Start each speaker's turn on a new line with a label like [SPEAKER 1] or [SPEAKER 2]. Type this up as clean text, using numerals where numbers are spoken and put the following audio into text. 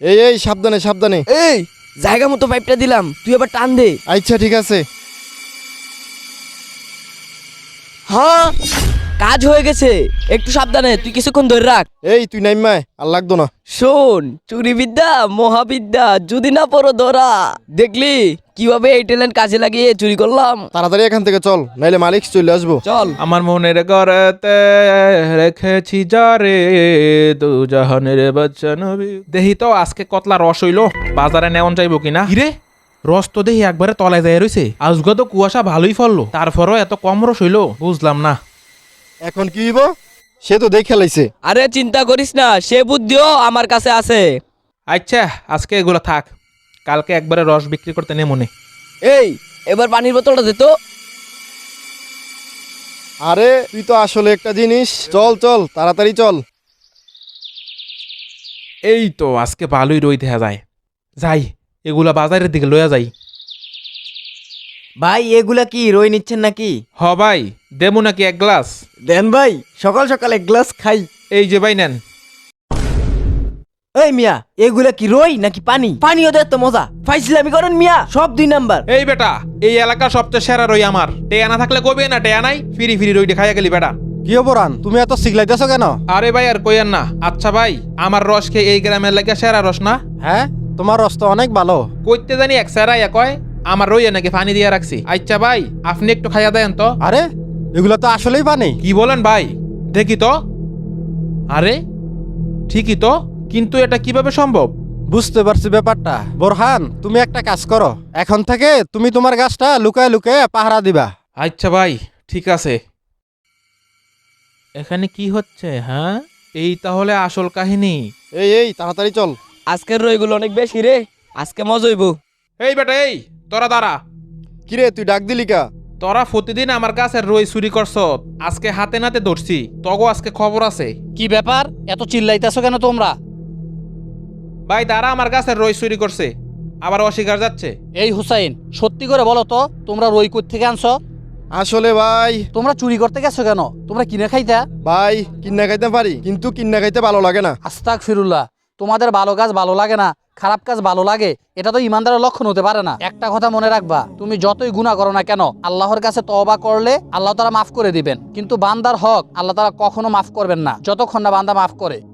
[SPEAKER 1] এই সাবধানে সাবধানে।
[SPEAKER 2] এই জায়গা মতো পাইপটা দিলাম, তুই আবার টান দে।
[SPEAKER 1] আচ্ছা ঠিক আছে।
[SPEAKER 2] হ্যাঁ কাজ হয়ে গেছে, একটু সাবধানে, তুই কিছুক্ষণ ধরে রাখ।
[SPEAKER 1] এই তুই নাইমায় আর লাগতো না।
[SPEAKER 2] শোন, চুরি বিদ্যা মহাবিদ্যা, যদি না পড়ো ধরা। দেখলি কিভাবে এই ট্যালেন্ট কাজে লাগিয়ে চুরি করলাম।
[SPEAKER 1] তাড়াতাড়ি এখান থেকে চল, নাইলে মালিক চলে আসবো।
[SPEAKER 2] চল।
[SPEAKER 3] আমার মনের ঘরেতে রেখেছি যারে দু জাহানের বাচ্চা নবী। দেহি তো আজকে কতলা রস হইলো, বাজারে নেওয়ান যাইব কিনা। হিরে রস তো দেহি একবারে তলায় যায় রইছে। আজকে তো কুয়াশা ভালোই ফললো, তারপরও এত কম রস হইলো, বুঝলাম না।
[SPEAKER 1] এখন কি হইব? সে তো দেখে লাইছে।
[SPEAKER 2] আরে চিন্তা করিস না, সে বুদ্ধিও আমার কাছে আছে।
[SPEAKER 3] আচ্ছা আজকে এগুলো থাক, কালকে একবারে রস বিক্রি করতে নে মনে।
[SPEAKER 2] এই এবার পানির বোতলটা দে তো।
[SPEAKER 1] আরে তুই তো আসলে একটা জিনিস। চল চল তাড়াতাড়ি চল।
[SPEAKER 3] এই তো আজকে ভালোই রই দেখা যায়। যাই এগুলা বাজারের দিকে লইয়া যাই।
[SPEAKER 4] ভাই এগুলা কি রই নিচ্ছেন নাকি?
[SPEAKER 3] হ ভাই, দেবো নাকি এক গ্লাস?
[SPEAKER 4] দেন ভাই, সকাল সকাল এক গ্লাস খাই।
[SPEAKER 3] এই যে ভাই নেন।
[SPEAKER 4] এই মিয়া, এগুলা কি রই নাকি পানি? পানিও দেয় তো মজা, ফাইজলামি করেন মিয়া, সব 2 নাম্বার।
[SPEAKER 3] এই বেটা, এই এলাকার সবচেয়ে সেরা রই আমার। টেয়া না থাকলে কবে না, টেয়া নাই, ফিরি ফিরি রইটা খাইয়া গেলি বেটা।
[SPEAKER 1] কি অপরান, তুমি এত সিগলাইতেছো কেন?
[SPEAKER 3] আরে ভাই আর কইয়েন না। আচ্ছা ভাই, আমার রস খেয়ে এই গ্রামের লাগে সেরা রস না?
[SPEAKER 1] হ্যাঁ, তোমার রস তো অনেক ভালো।
[SPEAKER 3] কইতে জানি এক সেরা ইয়া কয়, আমার রইয়া নাকি পানি দিয়ে রাখছি। আচ্ছা ভাই, আপনি একটু খাইয়া দেন তো।
[SPEAKER 1] আরে এগুলো তো আসলেই পানি।
[SPEAKER 3] কি বলেন ভাই? দেখি তো। আরে ঠিকই তো, কিন্তু এটা কিভাবে সম্ভব?
[SPEAKER 1] বুঝতে পারছি ব্যাপারটা। বোরহান, তুমি একটা কাজ করো, এখন থেকে তুমি তোমার গাছটা লুকায় লুকায় পাহারা দিবা।
[SPEAKER 3] আচ্ছা ভাই ঠিক আছে। এখানে কি হচ্ছে? হ্যাঁ, এই তাহলে আসল কাহিনী।
[SPEAKER 1] এই তাড়াতাড়ি চল।
[SPEAKER 2] আজকের রইগুলো অনেক বেশি রে, আজকে মজা হইব।
[SPEAKER 3] এই বেটা, এই তোরা দাঁড়া।
[SPEAKER 1] কিরে তুই ডাক দিলি কা?
[SPEAKER 3] তোরা প্রতিদিন আমার কাছে রই চুরি করছ, আজকে হাতে নাতে ধরছি, তগো আজকে খবর আছে।
[SPEAKER 5] কি ব্যাপার, এত চিল্লাইতেছো কেন তোমরা?
[SPEAKER 3] ভাই তারা আমার কাছে রই চুরি করছে, আবার অস্বীকার যাচ্ছে।
[SPEAKER 5] এই হুসাইন, সত্যি করে বলো তো, তোমরা রই কই থেকে আনছো?
[SPEAKER 1] আসলে ভাই,
[SPEAKER 5] তোমরা চুরি করতে গেছো কেন? তোমরা কিনে খাইতা?
[SPEAKER 1] ভাই কিন্না খাইতে পারি, কিন্তু কিন্না খাইতে ভালো লাগে না।
[SPEAKER 5] আস্তাক ফিরুল্লাহ, তোমাদের ভালো কাজ ভালো লাগে না, খারাপ কাজ ভালো লাগে, এটা তো ইমানদারের লক্ষণ হতে পারে না। একটা কথা মনে রাখবা, তুমি যতই গুনাহ করো না কেন, আল্লাহর কাছে তওবা করলে আল্লাহ তাআলা মাফ করে দিবেন, কিন্তু বান্দার হক আল্লাহ তাআলা কখনো মাফ করবেন না যতক্ষণ না বান্দা মাফ করে।